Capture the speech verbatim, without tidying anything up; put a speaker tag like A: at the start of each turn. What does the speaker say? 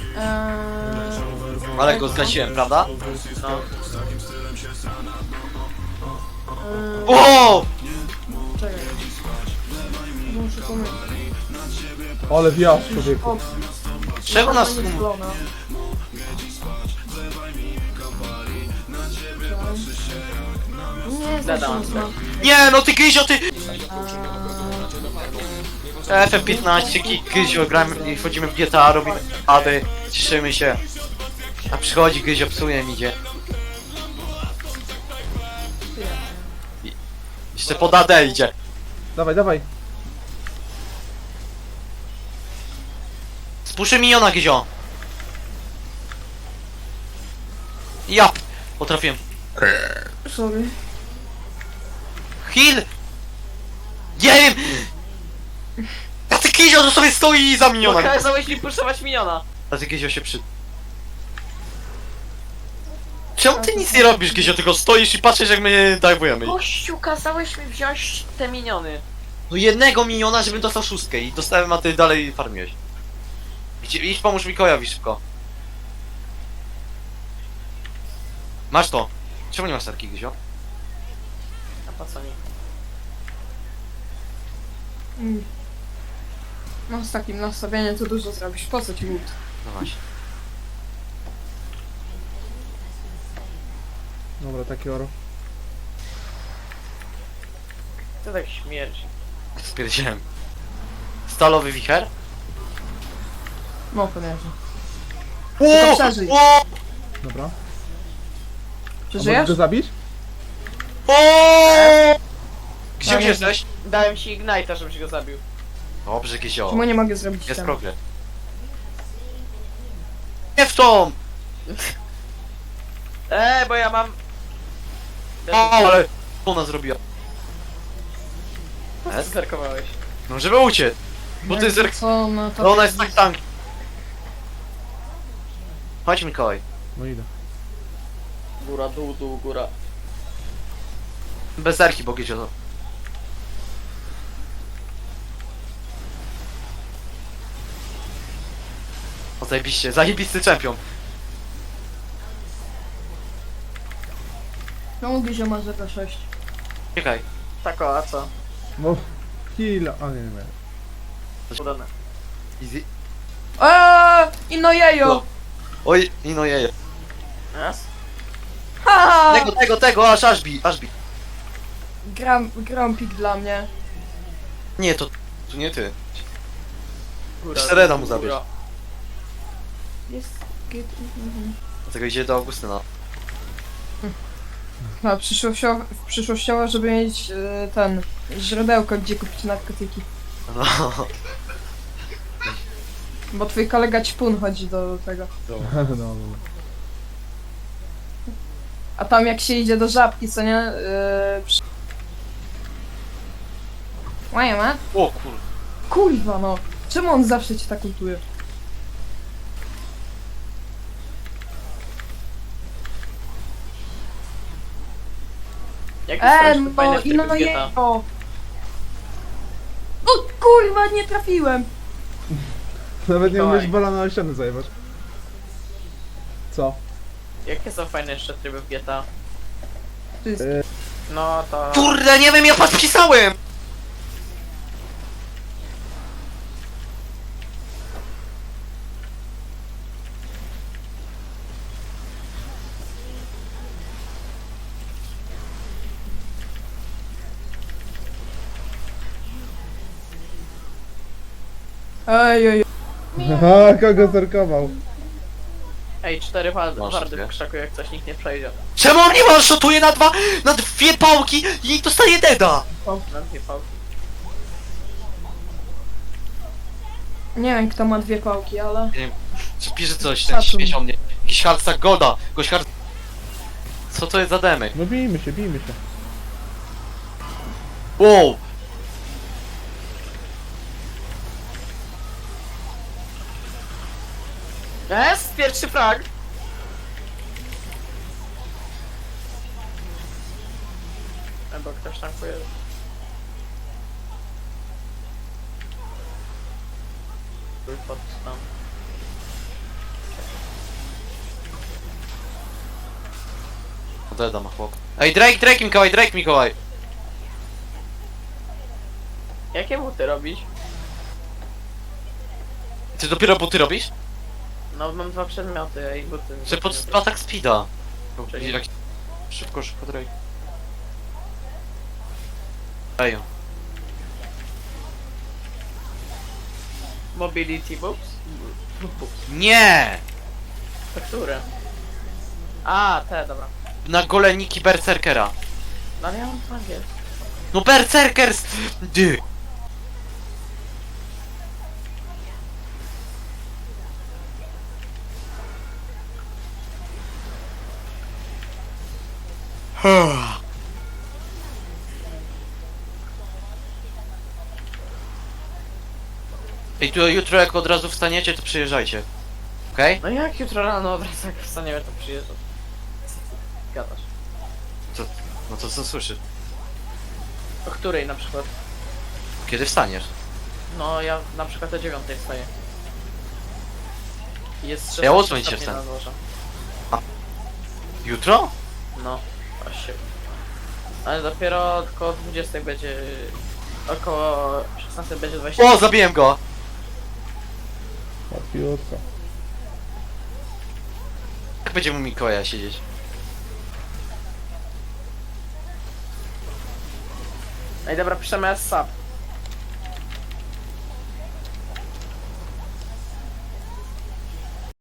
A: Eee,
B: Ale go zgasiłem, prawda?
C: No.
A: eee,
B: O!
A: czekaj. Muszę pomyśleć.
D: Ale wjazd, człowieku.
A: O,
B: Czemu nas...
A: nie sklona. Nie,
C: Zadałam
A: zresztą
C: sobie.
B: Nie, no ty Gyzio, ty...
A: Eee,
B: F F piętnaście, Gyzio, gramy i wchodzimy w G T A, robimy ady, cieszymy się. A przychodzi Gyzio, psuje mi idzie. I- Jeszcze pod A D idzie.
D: Dawaj, dawaj.
B: Spuszczę miniona, Gyzio. Ja! Potrafiłem.
A: sorry.
B: Heal! Nie wiem! A ty Gyzio, to sobie stoi za minionem.
C: Kazałeś mi puszować miniona.
B: A ty Gyzio się przy... Czemu ty nic nie robisz, Gyzio, tylko stoisz i patrzysz jak my dajwujemy?
C: Gościu, kazałeś mi wziąć te miniony.
B: No jednego miniona, żebym dostał szóstkę i dostałem, a ty dalej farmiłeś. Gdzie, idź pomóż Mikołajowi szybko. Masz to. Czemu nie masz tarki, Gyzio?
C: A po co mi?
A: Mm. No z takim nastawieniem to dużo zrobisz. Po co ci łód?
B: No właśnie.
D: Dobra, taki oro.
C: To tak śmierdzi.
B: Spierdziałem. Stalowy wicher?
A: No pewnie.
B: Ło!
A: przeżyj.
B: Ło!
D: Dobra. A możesz
A: Przeżyjesz?
D: go zabić?
B: O! Gdzie
A: Dałem-
B: jesteś?
C: Dałem ci Ignite'a, żebyś go zabił.
B: Dobrze, Gyzio.
A: Czemu nie mogę zrobić
B: Jest
A: ten?
B: progres. Nie w tą!
C: Eee, bo ja mam...
B: O, ale... Ona zrobiła.
C: Co ty zerkowałeś?
B: No żeby uciec. Bo ty zerk...
A: Co na to?
B: No ona jest tak tank. Chodź Mikołaj.
D: No idę.
C: Góra, dół, dół, góra.
B: Bez zerki, bo Gyzio to. O zajebiście, zajebisty czempion.
A: Czemu Gizio ma zero sześć?
B: Czekaj.
C: Tak o, a co?
D: No. Heal. A nie, nie wiem.
C: Udane.
B: Easy.
A: Eee, inno jejo!
B: No. Oj, i no jeje.
C: Raz?
A: Haha!
B: Tego, tego, tego, aż aż bi, aż bi.
A: Gram, gram pik dla mnie.
B: Nie, to... To nie ty.
C: Góra.
B: Serena mu
C: góra.
B: zabierz.
A: Jest... git, mhm.
B: Dlatego idzie do Augustyna.
A: No, przyszłościowo, przyszłościowo, żeby mieć e, ten... źródełko, gdzie kupić narkotyki.
B: No.
A: Bo twój kolega ćpun chodzi do tego.
D: No, no, no.
A: A tam jak się idzie do żabki, co nie? Yy, przy... Łaja,
B: O kur...
A: kurwa no! Czemu on zawsze cię tak kultuje?
C: Jak
A: Eee,
C: jest fajne
A: no
C: w
A: i no
C: trybie G T A?
A: je... O! O kurwa, nie trafiłem!
D: Nawet nie
C: Mikołaj.
D: umiesz bala na ścianę zajebać. Co?
C: Jakie są fajne jeszcze tryby w G T A?
A: To jest...
D: E,
C: No to...
B: Kurde, nie wiem, ja podpisałem!
A: Ej, ej, ej.
D: Aha, kogo zerkował?
C: Ej, cztery wa-
B: Masz
C: wardy
B: dwie.
C: w krzaku, jak coś nikt nie przejdzie.
B: Czemu on nie one-shotuje na dwa... na dwie pałki i dostaje deda?
C: Na dwie pałki.
A: Nie wiem kto ma dwie pałki, ale...
B: Nie wiem, czy pisze coś, ten
A: Szacun.
B: śmieć o mnie. Jakiś hardstack golda, gość hard... Co to jest za demek?
D: No bijmy się, bijmy się.
B: Wow!
C: Jest! Pierwszy frag! Albo ktoś tankuje. Pod tam.
B: deda ma chłop. Ej, Drake, Drake Mikołaj, Drake Mikołaj!
C: Jakie buty robić?
B: Ty dopiero buty robisz?
C: No mam dwa przedmioty i buty.
B: Czy pod atak speeda?
C: Czyli-
B: Jak... Szybko, szybko, Drake. Ej,
C: Mobility boots? Boots.
B: nie!
C: To które? A, te, dobra.
B: Na goleniki berserkera.
C: No ale ja mam po angielsku.
B: No berserkers! Dy! Ej, tu jutro jak od razu wstaniecie, to przyjeżdżajcie. Okej?
C: No jak jutro rano od razu jak wstaniemy to przyjeżdżam. Co ty gadasz?
B: Co? No to co słyszy?
C: O której na przykład?
B: Kiedy wstaniesz?
C: No ja na przykład o dziewiątej wstaję. Jest szesnaście
B: Ja o ósmej się
C: stopni
B: wstanę.
C: na dworze.
B: Jutro?
C: No, właśnie. Ale dopiero około dwudziestej będzie... Około szesnastej będzie dwadzieścia.
B: O, zabiłem go!
D: Łatwiutko.
B: Jak będzie mu Mikołaja siedzieć?
C: Ej dobra, piszemy S S A P.